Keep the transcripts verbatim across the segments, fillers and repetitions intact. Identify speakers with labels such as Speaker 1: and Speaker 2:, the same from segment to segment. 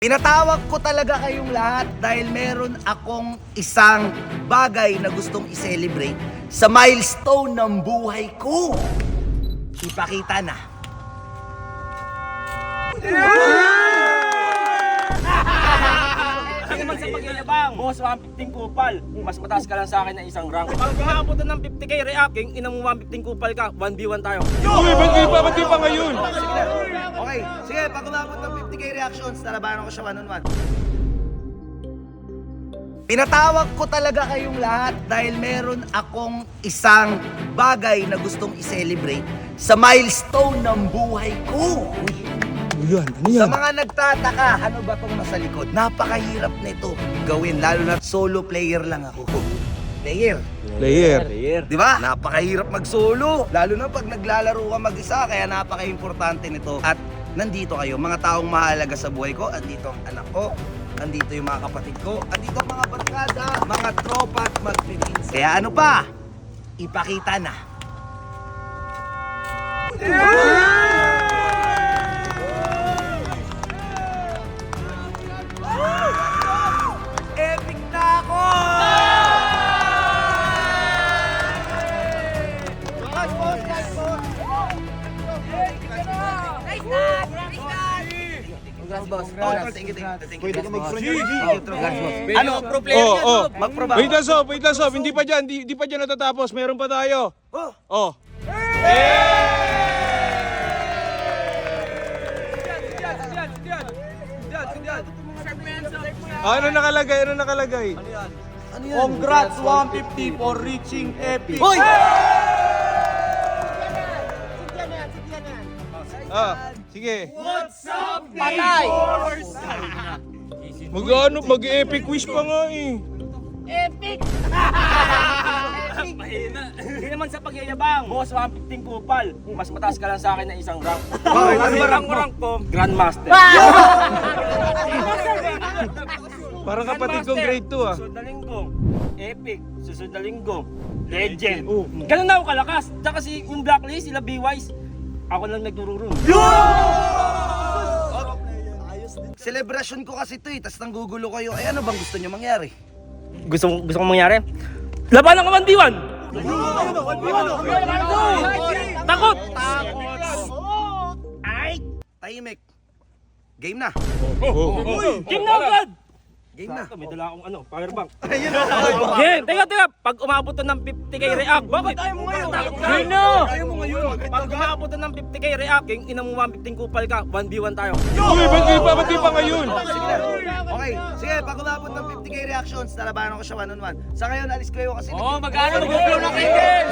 Speaker 1: Pinatawag ko talaga kayong lahat dahil meron akong isang bagay na gustong i-celebrate sa milestone ng buhay ko. Ipakita na.
Speaker 2: Hindi naman sa pagyayabang, boss, one fifteen kupal. Mas mataas ka lang sa akin ng isang rank. Pag umabot ng fifty K reacting, ina mo one fifteen kupal ka, one v one tayo.
Speaker 3: Uy, ba't di pa, ba't di pa ngayon?
Speaker 1: Sige na. Okay, sige, pag umabot ng fifty K reactions, nalabanan ko siya one on one. Pinatawag ko talaga kayong lahat dahil meron akong isang bagay na gustong i-celebrate sa milestone ng buhay ko.
Speaker 3: Uyan, ano
Speaker 1: Sa
Speaker 3: yan?
Speaker 1: mga nagtataka, ano ba tong nasa likod? Napakahirap nito gawin, lalo na solo player lang ako. Player.
Speaker 3: Player.
Speaker 1: Di ba? Napakahirap mag-solo. Lalo na pag naglalaro ka mag-isa, kaya napaka-importante nito. At nandito kayo, mga taong mahalaga sa buhay ko. Andito ang anak ko, andito yung mga kapatid ko, andito ang mga barkada, mga tropa at magpipinsa. Kaya ano pa? Ipakita na. Epic na ako! Guys, boss, guys, boss! Congrats, boss. Congrats. Thank you, thank you, thank you.
Speaker 3: Pwede ka mag-front.
Speaker 1: Congrats, boss. Ano? Pro player
Speaker 3: Oh,
Speaker 1: yan,
Speaker 3: oh.
Speaker 1: Sob. Mag-proba.
Speaker 3: Wait lang, Sob. Wait lang, Sob. Hindi pa dyan. Hindi, hindi pa dyan natatapos. Meron pa tayo.
Speaker 1: Oh,
Speaker 3: Oh. Ah, ano nakalagay? Ano nakalagay?
Speaker 1: ano yan?
Speaker 4: Congrats one fifty for reaching epic.
Speaker 1: Hoy!
Speaker 3: Ah, sige.
Speaker 4: Patay!
Speaker 3: Mag-ano, mag-epic wish pa nga eh.
Speaker 2: Hindi naman sa pagyayabang, boss, one fifteen kupal. Mas mataas ka lang sa akin ng isang rank.
Speaker 1: Bakit?
Speaker 2: Ano ba rank mo? Rank ko? Grandmaster.
Speaker 3: Parang kapatid kong grade two ah.
Speaker 2: Susunod na linggo, epic. Susunod na linggo, legend.
Speaker 3: Oh.
Speaker 2: Ganun na ako kalakas. Tsaka si yung blacklist, sila B-Wise, ako lang nagtururun.
Speaker 1: Celebration ko kasi ito eh, tas nanggugulo kayo. Ay, ano bang gusto nyo mangyari?
Speaker 2: Gusto, gusto kong mangyari? Laban ng one v one! Takot!
Speaker 1: Ay! Tahimik. Game na.
Speaker 3: Oh, oh.
Speaker 2: Game na agad!
Speaker 1: Game na.
Speaker 2: Sakto, may dala akong ano, powerbank.
Speaker 1: Ayun na.
Speaker 2: Game! Teka, teka! Pag umabot to ng fifty K react, bakit ayaw mo ngayon? Game na!
Speaker 1: Ayaw mo ngayon.
Speaker 2: Pag umabot to ng fifty K react, king ina mo one fifteen kupal ka, one v one tayo.
Speaker 3: Uy, ba't di pa, ba't di pa ngayon?
Speaker 1: Sige na. Okay, sige, pag umabot ng fifty K reactions, nalabanan ko siya one on one. Sa ngayon, alis kayo kasi...
Speaker 2: Oh, mag-ano? Mag-flow na kayo!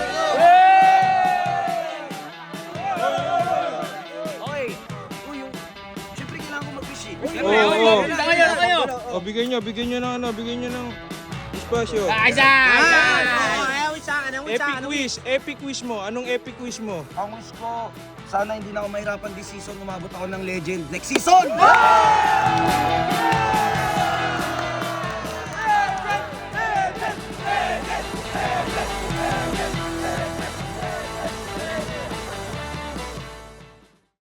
Speaker 1: Okay. Uy, yung... Siyempre kailangan ko mag-wish eh.
Speaker 3: Oo, oo.
Speaker 2: Kayo na kayo!
Speaker 3: Oh, bigyan nyo, bigyan nyo ng ano, bigyan nyo ng espasyo.
Speaker 2: Isa!
Speaker 3: Epic wish, epic wish mo. Anong epic wish mo?
Speaker 1: Ang wish ko, sana hindi na ako mahirapan this season, umabot ako ng legend next season!